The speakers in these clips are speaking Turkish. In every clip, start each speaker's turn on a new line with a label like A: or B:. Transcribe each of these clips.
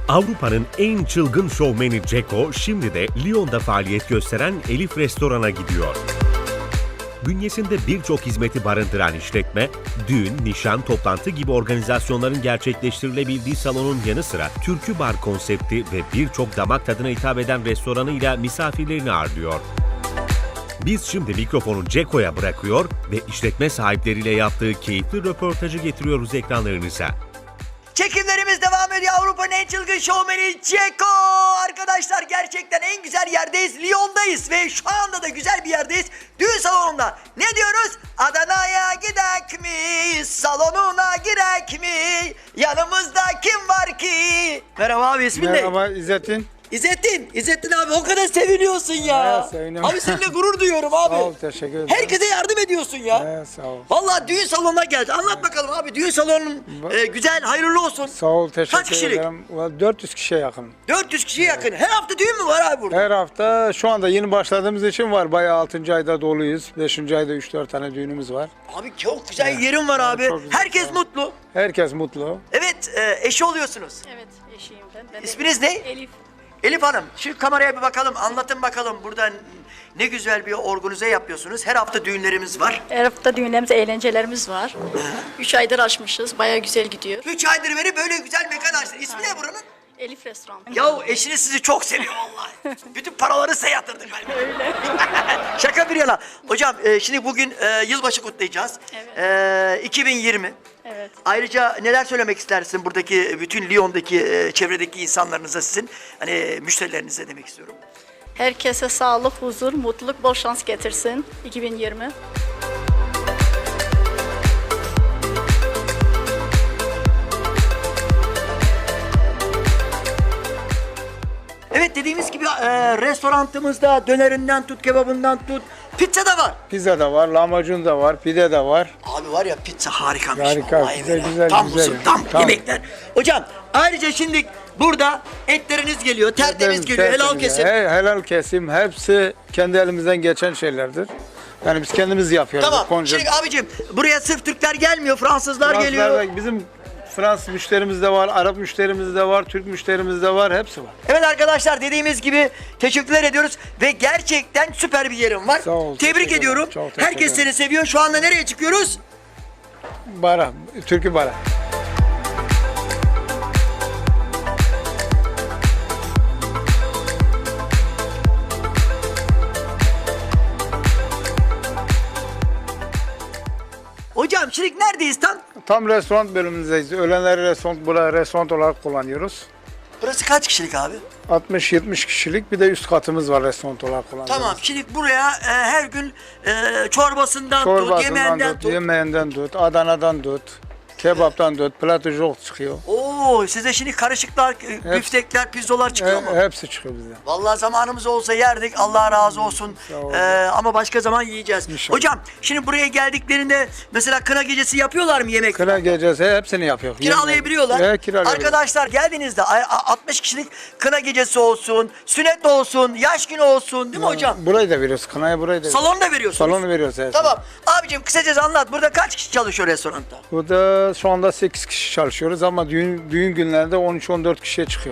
A: Avrupa'nın en çılgın şovmeni Ceko şimdi de Lyon'da faaliyet gösteren Elif Restoran'a gidiyor. Bünyesinde birçok hizmeti barındıran işletme, düğün, nişan, toplantı gibi organizasyonların gerçekleştirilebildiği salonun yanı sıra türkü bar konsepti ve birçok damak tadına hitap eden restoranıyla misafirlerini ağırlıyor. Biz şimdi mikrofonu Ceko'ya bırakıyor ve işletme sahipleriyle yaptığı keyifli röportajı getiriyoruz ekranlarınıza.
B: Çekimlerimiz devam ediyor. Avrupa'nın en çılgın şovmeni Ceko. Arkadaşlar gerçekten en güzel yerdeyiz. Lyon'dayız ve şu anda da güzel bir yerdeyiz. Düğün salonunda. Ne diyoruz? Adana'ya gidek mi? Salonuna girek mi? Yanımızda kim var ki? Merhaba abi, ismin ne?
C: Merhaba İzzettin.
B: İzzettin abi, o kadar seviniyorsun ya.
C: Evet, seviniyorum.
B: Abi seninle gurur duyuyorum abi.
C: Sağ ol, teşekkür ederim.
B: Herkese yardım ediyorsun ya.
C: Evet, sağ ol.
B: Vallahi düğün salonuna geldi. Anlat bakalım abi, düğün salonun güzel, hayırlı olsun.
C: Sağ ol, teşekkür
B: Kaç kişilik?
C: ederim. 400 kişiye yakın.
B: 400 kişiye yakın. Her hafta düğün mü var abi burada?
C: Her hafta şu anda yeni başladığımız için var. Bayağı 6. ayda doluyuz. 5. ayda 3-4 tane düğünümüz var.
B: Abi çok güzel yerim var abi.
C: çok güzel.
B: Herkes mutlu.
C: Herkes mutlu.
B: Evet, eşi oluyorsunuz.
D: Evet, eşiyim ben. Ben de
B: İsminiz ne?
D: Elif.
B: Elif Hanım, şu kameraya bir bakalım, anlatın bakalım. Burada ne güzel bir organize yapıyorsunuz. Her hafta düğünlerimiz var.
D: Her hafta düğünlerimiz, eğlencelerimiz var. 3 aydır açmışız. Bayağı güzel gidiyor.
B: 3 aydır beri böyle güzel mekan açtın. İsmi ne buranın?
D: Elif Restoran.
B: Yahu eşiniz sizi çok seviyor vallahi. Bütün paraları size yatırdı galiba. Öyle. Şaka bir yana. Hocam şimdi bugün yılbaşı kutlayacağız.
D: Evet.
B: 2020.
D: Evet.
B: Ayrıca neler söylemek istersin buradaki bütün Lyon'daki çevredeki insanlarınıza, sizin hani müşterilerinize demek istiyorum.
D: Herkese sağlık, huzur, mutluluk, bol şans getirsin 2020.
B: Evet, dediğimiz gibi restoranımızda dönerinden tut, kebabından tut, pizza da var.
C: Pizza da var, lahmacun da var, pide de var.
B: Abi var ya, pizza harikamış.
C: Harika,
B: vallahi
C: güzel,
B: billahi.
C: güzel,
B: Tam
C: güzel.
B: usul, tam
C: Tam.
B: yemekler. Hocam ayrıca şimdi burada etleriniz geliyor, tertemiz geliyor, helal
C: Tertemiz.
B: kesim.
C: Helal kesim. Hepsi kendi elimizden geçen şeylerdir. Yani biz kendimiz yapıyoruz.
B: Tamam.
C: Konca-
B: Şimdi abicim, buraya sırf Türkler gelmiyor, Fransızlar geliyor.
C: Fransızlar da- Bizim Fransız müşterimiz de var, Arap müşterimiz de var, Türk müşterimiz de var, hepsi var.
B: Evet arkadaşlar, dediğimiz gibi teşekkürler ediyoruz ve gerçekten süper bir yerim var.
C: Sağ ol,
B: Tebrik
C: teşekkür
B: ediyorum.
C: ederim. Çok teşekkür
B: Herkes
C: ederim.
B: seni seviyor. Şu anda nereye çıkıyoruz?
C: Bara, türkü bara.
B: Hocam şimdi neredeyiz tam?
C: Tam restoran bölümündeyiz. Öğlenleri restoran olarak kullanıyoruz.
B: Burası kaç kişilik abi?
C: 60-70 kişilik bir de üst katımız var restoran olarak kullanıyoruz.
B: Tamam. Şimdi buraya her gün çorbasından tut, yemeğinden tut.
C: yemeğinden tut, Adana'dan tut, kebaptan tut, platojok çıkıyor.
B: Oo, size şimdi karışıklar, büftekler, pirzolar çıkıyor mu?
C: Hepsi çıkıyor bizde.
B: Vallahi zamanımız olsa yerdik. Allah razı olsun.
C: Sağ ol.
B: Ama başka zaman yiyeceğiz.
C: İnşallah.
B: Hocam şimdi buraya geldiklerinde mesela kına gecesi yapıyorlar mı yemek?
C: Kına gecesi hepsini yapıyor.
B: Kiralayabiliyorlar.
C: Kiralayabiliyorlar.
B: Arkadaşlar geldiğinizde 60 kişilik kına gecesi olsun, sünnet olsun, yaş günü olsun, değil mi hocam?
C: Burayı da veriyoruz, kınayı burayı da veriyoruz.
B: Salonu da veriyorsunuz.
C: Salonu veriyoruz. Evet.
B: Tamam. Abicim kısacası anlat. Burada kaç kişi çalışıyor restoranda?
C: Burada şu anda 8 kişi çalışıyoruz ama düğün günlerinde 13-14 kişiye çıkıyor.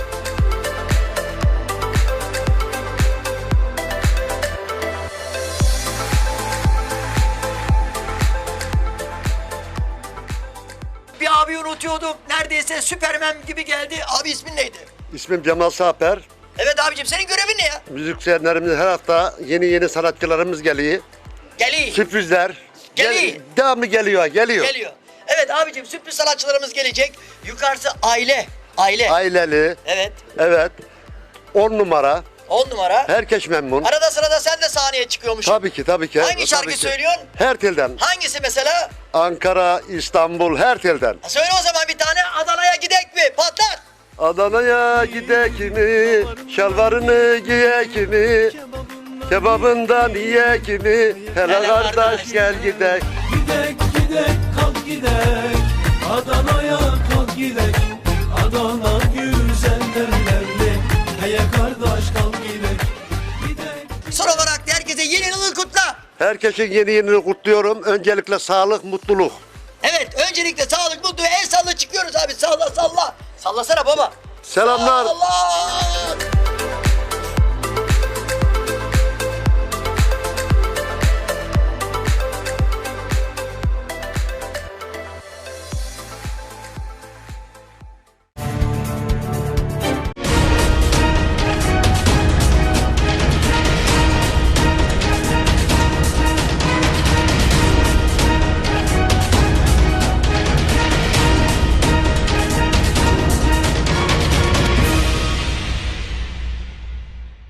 B: Bir abi unutuyordum. Neredeyse Süpermen gibi geldi. Abi ismin neydi?
E: İsmim Cemal Saper.
B: Evet abicim, senin görevin ne ya?
E: Müzisyenlerimiz her hafta yeni sanatçılarımız geliyor.
B: Geliyor.
E: Sürprizler.
B: Geliyor.
E: Devamlı geliyor.
B: Geliyor. Evet abicim, sürpriz sanatçılarımız gelecek. Yukarısı aile.
E: Aileli.
B: Evet.
E: Evet. 10 numara.
B: 10 numara.
E: Herkes memnun.
B: Arada sırada sen de sahneye çıkıyormuşsun.
E: Tabii ki.
B: Hangi şarkı
E: Tabii ki.
B: söylüyorsun?
E: Her telden.
B: Hangisi mesela?
E: Ankara, İstanbul, her telden.
B: Söyle o zaman bir tane. Adana'ya gidek mi? Patlat.
E: Adana'ya gidek mi? Şalvarını giyek mi? Kebabından yiyek mi? Hele kardeş gel gidek.
F: Gidek kalk gidek Adana'ya kalk gidek Adana güzel derlerdi Heye kardeş kalk gidek
B: Son olarak da herkese yeni yılı kutla.
E: Herkesin yeni yılını kutluyorum. Öncelikle sağlık, mutluluk.
B: Evet, öncelikle sağlık, mutlu, el salla çıkıyoruz abi. Salla. Sallasana baba.
E: Selamlar.
B: Allah!